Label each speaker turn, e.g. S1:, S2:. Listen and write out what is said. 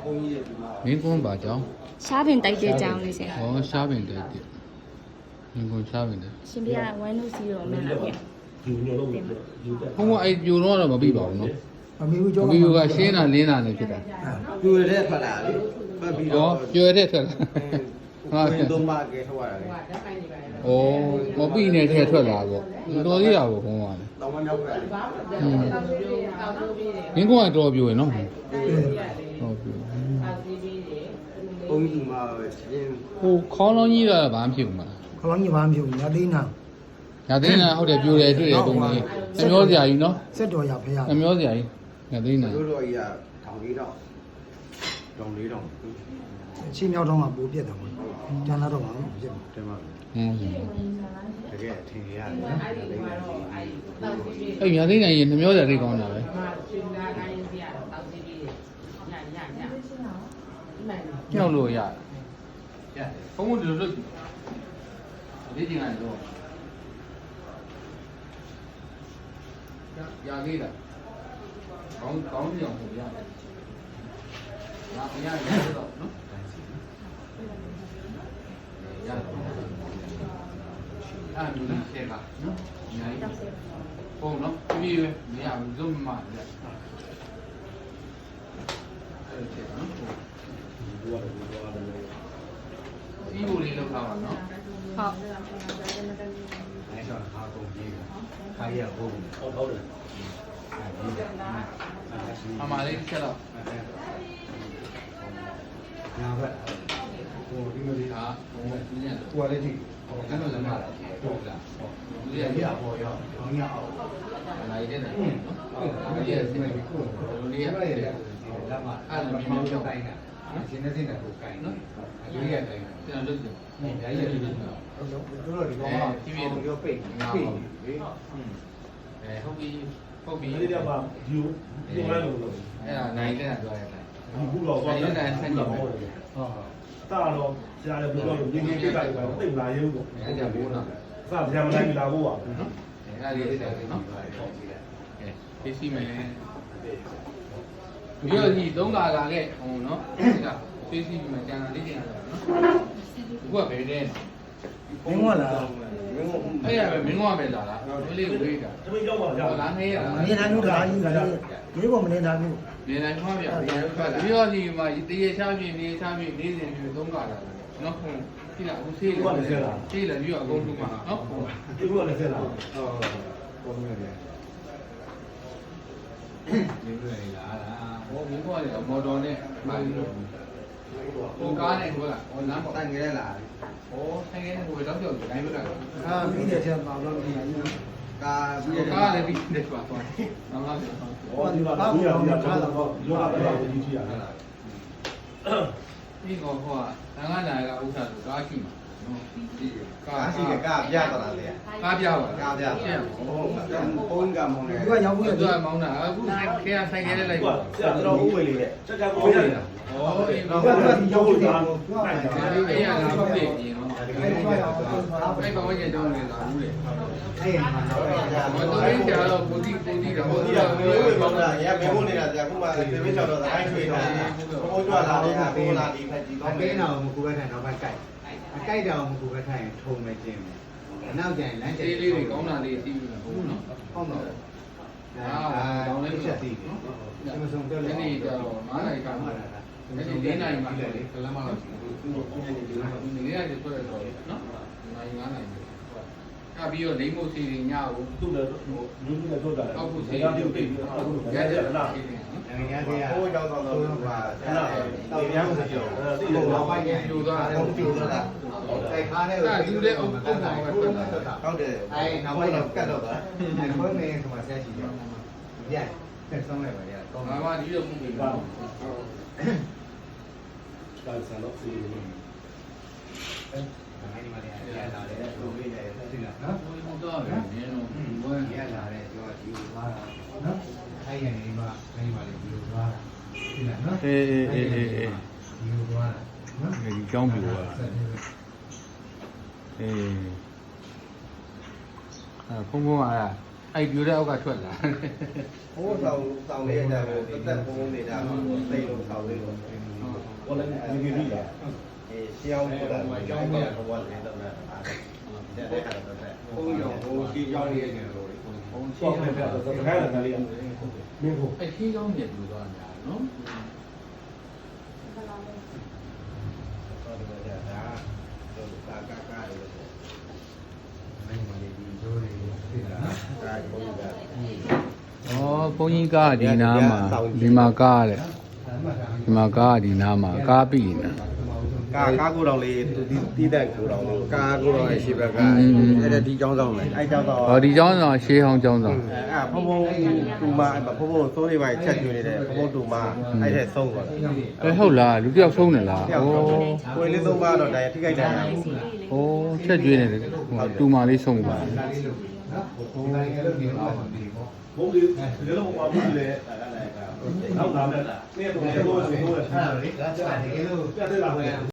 S1: မင်းကွန်းပါကြောင်း
S2: ရှားပင်တိုက်တဲ့ကြောင်းလေးဆရာ
S1: ဟောရှားပင်တဲ့တိမင်းကွန်းရှားပင်တဲ့
S2: ရှင်ပြ120မှန်လားဗျာ
S3: ယူညလုံးယူတဲ့
S1: ဘုံကအဲ့ပြိုတော့မပြီးပါဘူးနော်
S4: အမေဦးကျော်
S1: ဘီယိုကရှင်းတာလင်းတာနဲ့ဖြစ်တာ
S5: ပြွေတဲ့ထွက်လာလေပတ်ပြီး
S1: ဟော
S5: တော့
S1: ပြွယ်တဲ့ထွက်လာ
S5: ဝင်သုံးပါကဲထွက်လာတယ်
S1: ဩမပြီးနဲ့ထဲထွက်လာပေါ့တော်သေးတာပေါ့ဘုံကလည်း
S5: တော့မမြောက်ဘူး
S1: မင်းကွန်းကတော်ပြိုရယ်နော်ဟုတ်ပြို
S5: ဘုံကြီးမှာရှင်း
S1: ဟိုခေါင်းလုံးကြီးကဘာမှဖြစ်ဘူးမလား
S4: ခလောင်းကြီးဘာမှမဖြစ်ဘူးညသိန်းနာ
S1: ညာသိန်းကဟုတ်တယ်ပြိုတယ်တွေ့တယ်ပုံကြီးနှမျောစရာကြီးနော်
S4: စက်တော်ရဖရ
S1: နှမျောစရာကြီးညာသိန်းက
S5: တို့တော့ကြီးကထောင်လေးတော့တောင်လေးတော့
S4: အချင်းမြောက်တော့မှပိုးပြက်တယ်ပေါ့ကျန်တော့ဘာမှမဖြစ်ဘူး
S5: တယ်မှာ
S1: ဟုတ်ကဲ့
S5: တကယ်အထင်ရတယ်နော်
S1: အဲ့ညာသိန်းကရင်နှမျောစရာသိကောင်းတာပဲကြောက်လို့ရတယ်ဘုံကဒီလိုလုပ်ဒီကျင်လိုက်တော့ရသေးလားကောင်းပြောင်းဟိုရတယ်ငါမရရတော့နော်ရတယ်အဲ့ဒီဆက်ကနော်အများကြီးဟုတ်နော်ပြီးပြီမရဘူးလုံးမရအဲ့ဒီနော်ဒီဘူလေးလောက်ထားပါနော်
S2: ဟုတ်
S5: အဲ့တော့ဟာကုန်ကြီးခါရဟုတ်
S3: ဟုတ်တယ်
S1: အမလေးချက်တော့
S5: ညာဘက်ဟိုဒီလိုလေး
S1: ဒါဘုံကပြင်းရတယ်
S5: ဟိုလည်းကြည့်
S1: အဲ့လိုလည်းမလာဟုတ်လားဒီရရပေါ်ရော
S5: ဘောင်းရအောင်
S1: နိုင်တဲ့နော်ဒီရစနေကိုလိုလေးရတယ်အဲ့မှာအဲ့လိုမျိုးမျိုးတိုင်းတာ
S5: ရှင်းနေစင်းတဲ့ကိုကိုင်နော်
S1: လူရတိုင်းကျွန်တော်လုပ်တယ်
S5: အများကြီးရတယ်တို့တော့ဒီကောင်ကရောပိတ်ပိတ်လေ
S1: ဟုတ်ပြီဟုတ်ပြီ
S3: ဒီတော့မှယူဒီလိုလို့
S1: အဲ့ဒါနိုင်တဲ့တော့ရတယ်
S3: ဒီခုတော့သွားတယ်တာတော့ရှားတယ်ဘယ်လိုလဲငင်းငင်းပြလိုက်ပါတိတ်လာရုံးပေါ့
S1: အဲ့ဒါဘိုးနော်
S3: စတရားမတိုင်းလာဖို့ပါ
S1: နော်အဲ့ဒါလေးဆက်တယ်နော်အေးသိမယ်ဒီလိုကြီး3ကာလာခဲ့ဟိုနော်ဒါသိသိမယ်ကျန်တာလေးကျန်တာနော်အခုကဘယ်တဲ့
S4: မင်းကလား
S1: အဲ့ရပဲမင်းကပဲလာတာဒီလေးဝေးတာ
S3: တမင်းရောက်ပါကြာ
S1: ဟောလာနေရတာ
S4: နေတိုင်းတို့ဒါကြီးလာဒီပေါ်မနေတိုင်းဘူး
S1: နေတိုင်းမှာပြဒီရောဒီမှာတရေချပြင်းနေချပြင်းနေစဉ်ပြ3ကာလာနော်ဒီလားအခုဆေးလေဆေးလာပြီးတော့အကုန်လုံးမှာနော်
S3: ဒီခုကလည်းဆက်လာ
S5: ဟုတ်ပုံနေတယ်ဒီလိုလေလာတာ
S1: ဟိုမင်းကလည်းမော်တော်နဲ့ပါပြီးတော့ဟိုကားနဲ့ဟိုလားဟိုလမ်းပေါ်
S5: တိုင်ကြဲလာ
S1: ဟိုဆိုင်ကနေဟိုတော့ကြောက်တိုင်းဘက်က
S4: အာပြီးတဲ့ချက်ပါတော့ဒီကြီး
S5: ကာပြီး
S1: ကားလည်းပြီးနေပါတော့ငါငါပြော
S3: ဟောဒီမှာဘူးရပြီးတော့လောကပြောကြီးကြီးရတယ်
S1: ဒီကောဟိုကငါနာကဥစ္စာဆိုကားရှိမှာနော်ဒီ
S5: ကာရှိကကာပြတော့လားလေ
S1: ကားပြပါ
S5: ကာပြဟုတ်ပုံကမောင်းနေ
S4: ဒီကရောက်
S1: ဘူး
S4: ဘူး
S1: သူ
S4: လေ
S1: ကမောင်းတာအခုခဲဆိုင်ခဲလိုက်
S3: ဟု
S1: ပါ
S3: တ်ဆရာတော်ဦးဝေလေးနဲ့စက်ကြကိုရတယ်
S1: ဟောဒီ
S3: တော့
S1: တော့
S3: ဒီရောက်လို့ဒါနိုင်ကြ
S1: ဒီအေးရလာဘူးလေဒီနော်အဲ့ကောင်ကြီးတောင်းနေတာဘူးလေ
S5: အဲ့မှာတော့ကြာ
S1: မတော်ရင်ကြာတော့ပူတိတော့ဟို
S5: ဒီ
S1: ဒီ
S5: က
S1: က
S5: မျိုးပဲပေါ့လားရမေဖို့နေတာကြာခုမှသေမင်းချော်တော့တိုင်းထွေးတာဘုံကြွလာတဲ့ဟာပေးလာဒီဖက်ဒီ
S6: အ
S5: တော့
S6: ပေးတော်မကူပဲထိုင်တော့ပဲကြိုက်အကြိုက်တော်မကူပဲထိုင်ထုံပဲကျင်းအနောက်ကျရင်လမ်းကျ
S1: အေးလေးတွေကောင်းတာလေးသိပြီဟုတ်နော်
S6: ဟုတ်တော့တောင်းလေးချက်သေးတယ်ဒီမဆုံးပြောလဲ
S1: ဒီနေ့ကျတော့9နိုင်ကမှဒီနေ့4နိုင်မှလေ
S6: ကလမ်းမတော့
S1: ဒီနေ့ကတွေ့ရတော့နော်နိုင်9နိုင်ကပြီးတော့လိမ့်မို့စီရင်ညကို
S3: သူ့လည်းဟိုလူကြီးနဲ့တို့တာ
S1: အောက်ကိုစီ
S3: ရတိတ်ပြီးအခုရတဲ့လား
S6: နိုင်ငံသေးက
S5: ဘိုးကြောင့်တော့ဟာအဲ့ဒါတေရမ်းကိုပြော
S3: တိတ်တော့
S6: ဘာကြီး
S1: ပြိုသွားတယ်
S5: ဟုတ်ပြီလား
S6: တိုက်ခါနဲ့
S5: ဟုတ်တယ်
S6: အဲ့နောက်ပိုင်းတော့ကတ်တော့တာအဲ့ခွဲနေဆိုမှဆက်ရှိတယ်ပြန်ဆက်ဆုံးလိုက်ပါရတော့
S1: ငါမှဒီလိုပုံပြီးပါ
S3: ဒါဆန်တော့စီနေ
S6: နိုင်ငံမှာလည်းရလာတယ်လိုလေးတယ်သိလား
S1: နော်
S6: နော်
S1: ဘုံတော့ပဲနင်းတော့
S6: ဘယ်ရလာတယ်ပြောဒီလိုသွားတာနော်အဲ့ရနေမှာနိုင်ငံမှာလည်းဒီလိုသွားတာသိလားနော်ဒီလိုသွားတာနော်
S1: ဒီကြောင်းပြိုသွားဖုံဖုံကအဲ့ပြိုတဲ့အောက်ကထွက်လာ
S5: ဘိုးဆောင်လေးရတာကိုတက်ပုံနေတာသိလို့ဆောင်လေးကို
S1: ဟုတ်
S3: 我来你给你了。
S5: ရှင်းအောင်ပို့တာကြောင်းမဲ့ဘောလေးတော့လည်းအားတယ်တဲ့ခါတော့တဲ့ဘုံရောဟိုဒီကြောင်းလေးနေလို့ဘုံရှင်းအောင်ပဲတော့ခိုင်းလာတယ်မင်းကို
S1: အဲ့ခီးကောင်းမြတ်လူသွားတာနော်
S5: တော့ဒီကဒါကာကာလေး
S6: နိုင်ပါလေဒီတို့တွေဖြစ်တာနော်
S5: ဒါဘုံက
S7: ဩဘုန်းကြီးကဒီနားမှာဒီမှာကားတဲ့ဒီမှာကားဒီနားမှာကားပြီနေ
S5: ကာကိုတော်လေးတီးတဲ့ကိုတော်လေးကာကိုတော်ရဲ့ရှိဘက်ကအဲ့ဒါဒီကြောင်းဆောင်လေအဲ့ကြောင်းဆောင်
S7: ဟောဒီကျောင်းဆောင်ရှေးဟောင်းကျောင်းဆောင်
S5: အဲ့ဖုံဖုံတူမဖုံဖုံစိုးလေးပိုင်းချက်ကျွေးနေတယ်ဖုံဖုံတူမအဲ့တဲ့ဆုံးသွားတယ်
S7: အဲဟုတ်လားလူတစ်ယောက်ဆုံးနေလား
S5: တယောက်တော့ကိုယ်လေးသုံးပါတော့ဒါထိခိုက်တယ်
S7: ဩချက်ကျွေးနေတယ်တူမာလေးဆုံးပါ
S6: နော်ဒီတိုင်းလည်းဒီတော့မပြီးဘူး
S3: ဘုံလေးဒီလိုပေါ်ဘူးလေနောက်လာမယ်လားနေ့တော့ဘုံဆိုတော့ထားတယ်လေ
S6: ဒါကြတယ်လို့
S3: ပြတ်တယ်လား